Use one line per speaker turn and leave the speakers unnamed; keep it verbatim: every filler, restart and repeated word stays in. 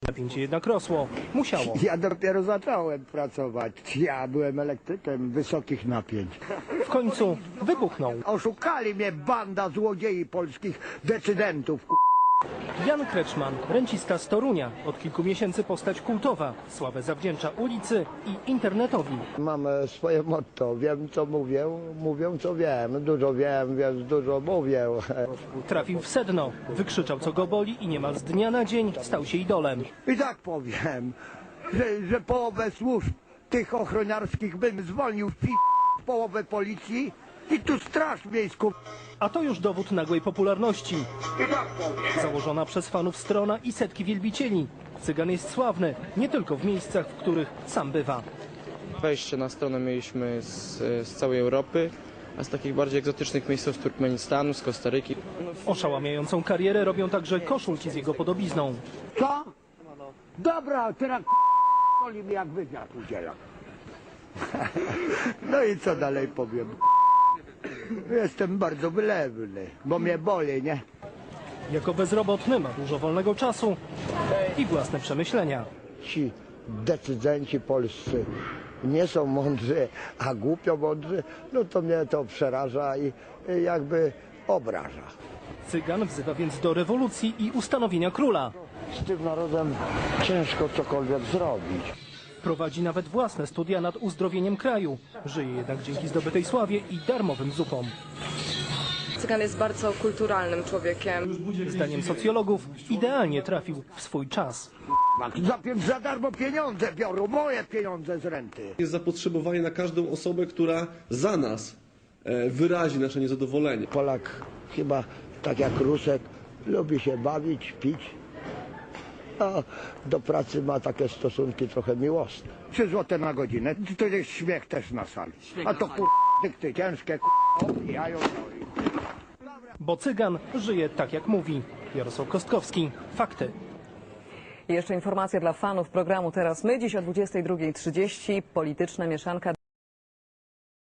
Napięcie jednak rosło. Musiało.
Ja dopiero zacząłem pracować. Ja byłem elektrykiem wysokich napięć.
W końcu wybuchnął.
Oszukali mnie banda złodziei polskich decydentów.
Jan Kreczman, rencista z Torunia. Od kilku miesięcy postać kultowa. Sławę zawdzięcza ulicy i internetowi.
Mam e, swoje motto. Wiem, co mówię, mówię, co wiem. Dużo wiem, więc dużo mówię.
Trafił w sedno. Wykrzyczał, co go boli i niemal z dnia na dzień stał się idolem.
I tak powiem, że, że połowę służb tych ochroniarskich bym zwolnił w pi... połowę policji i tu straż miejską.
A to już dowód nagłej popularności.
I tak powiem.
Założona przez fanów strona i setki wielbicieli. Cygan jest sławny nie tylko w miejscach, w których sam bywa.
Wejście na stronę mieliśmy z, z całej Europy, a z takich bardziej egzotycznych miejsc z Turkmenistanu, z Kostaryki.
Oszałamiającą karierę robią także koszulki z jego podobizną.
Co? Dobra, teraz k***oli mi jak wywiad udziela. No i co dalej powiem? Jestem bardzo wylewny, bo mnie boli, nie?
Jako bezrobotny ma dużo wolnego czasu i własne przemyślenia.
Ci decydenci polscy nie są mądrzy, a głupio mądrzy, no to mnie to przeraża i i jakby obraża.
Cygan wzywa więc do rewolucji i ustanowienia króla.
Z tym narodem ciężko cokolwiek zrobić.
Prowadzi nawet własne studia nad uzdrowieniem kraju. Żyje jednak dzięki zdobytej sławie i darmowym zupom.
Cygan jest bardzo kulturalnym człowiekiem.
Zdaniem socjologów idealnie trafił w swój czas.
Za, za darmo pieniądze biorą, moje pieniądze z renty.
Jest zapotrzebowanie na każdą osobę, która za nas e, wyrazi nasze niezadowolenie.
Polak chyba tak jak Rusek lubi się bawić, pić. A do pracy ma takie stosunki trochę miłosne. Trzy złote na godzinę, to jest śmiech też na sali. A to kur... dykty ciężkie, kur... obijają.
Bo Cygan żyje tak jak mówi. Jarosław Kostkowski. Fakty.
I jeszcze informacja dla fanów programu Teraz My. Dziś o dwudziestej drugiej trzydzieści polityczna mieszanka.